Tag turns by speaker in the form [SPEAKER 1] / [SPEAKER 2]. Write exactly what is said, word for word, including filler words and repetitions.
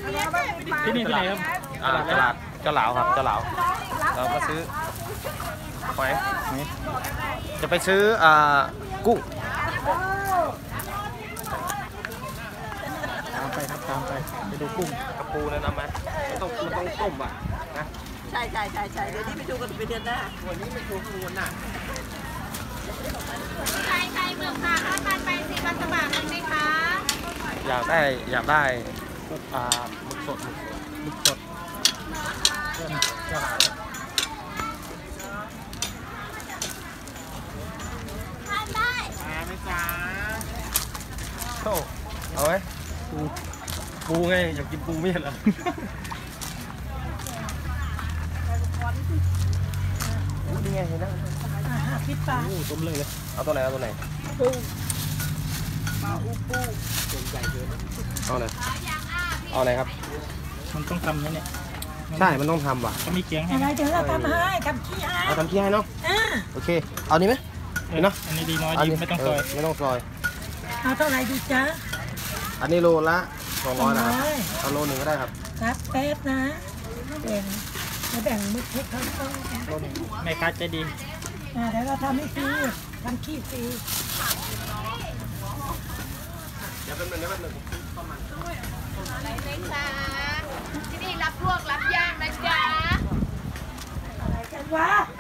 [SPEAKER 1] ที่นี่ที่ไหนครับ
[SPEAKER 2] อ่าตลาดเจ้าหลาวครับเจ้าหลาวเราก็ซื้อหอยจะไปซื้ออ่ากุ้ง
[SPEAKER 1] ตามไปครับตามไปไปดูกุ้ง
[SPEAKER 2] กระปูนะนะมั้ยมันต้องมันต้องต้มอ่ะนะ
[SPEAKER 3] ใช่ใช่ใช่ใช่เดี๋ยวนี้ไปดูกันไปเดือนหน้า
[SPEAKER 2] วันนี้ไม่ถูกวันน่ะ
[SPEAKER 4] ใช่ใช่เมืองค่ะถ้ามันไปสีมันสบายไหมคะ
[SPEAKER 2] อยากได้อยากได้กุ้งอ่าหมึกสดหมึกสดเจ้าเจ้าหลาว
[SPEAKER 4] ทานได้
[SPEAKER 2] มาไหมจ๊ะโธ่เอาไหมปูปูไงอยากกินปูไม่เห็นเหรอนี่ไงเห็นแล้ว
[SPEAKER 3] พิซซ่า
[SPEAKER 2] ต้มเลยเลยเอาตัวไหนเอาตัวไหน
[SPEAKER 3] ปูปลาอูปูตัวใหญ่เกิน
[SPEAKER 2] เอาไหนเอาไหนครับ
[SPEAKER 1] มันต้องทำนะเนี่ย
[SPEAKER 2] ใช่มันต้องทำว่ะ
[SPEAKER 1] ก็มีเกียงให้
[SPEAKER 3] อะไรเดี๋ยวเราทำให้ทำขี้ให้
[SPEAKER 2] เอาทำขี้ให้เนาะโอเคเอานี้ไหมเนาะ
[SPEAKER 1] อันนี้ดีน้อยดีไม่ต้องซอย
[SPEAKER 2] ไม่ต้องซอย
[SPEAKER 3] เอาเท่าไรดีจ๊ะ
[SPEAKER 2] อันนี้โลละสองร้อยนะครับเอาโลหนึ่งก็ได้ครับ
[SPEAKER 3] ครับแป๊บนะแบ่งแบ่งมือให้เขาต้อง
[SPEAKER 1] โลหนึ่งแม่ค้าใจดี
[SPEAKER 3] เดี๋ยวเราทำให้ฟรีทำขี้ฟรี
[SPEAKER 2] เดี๋ยวเป็นหนึ่งเดี๋ยวเป็นหนึ่ง
[SPEAKER 4] อะไรเลยคะที่นี่รับลวกรับย่างนะจ๊ะ
[SPEAKER 3] อะไรกันวะ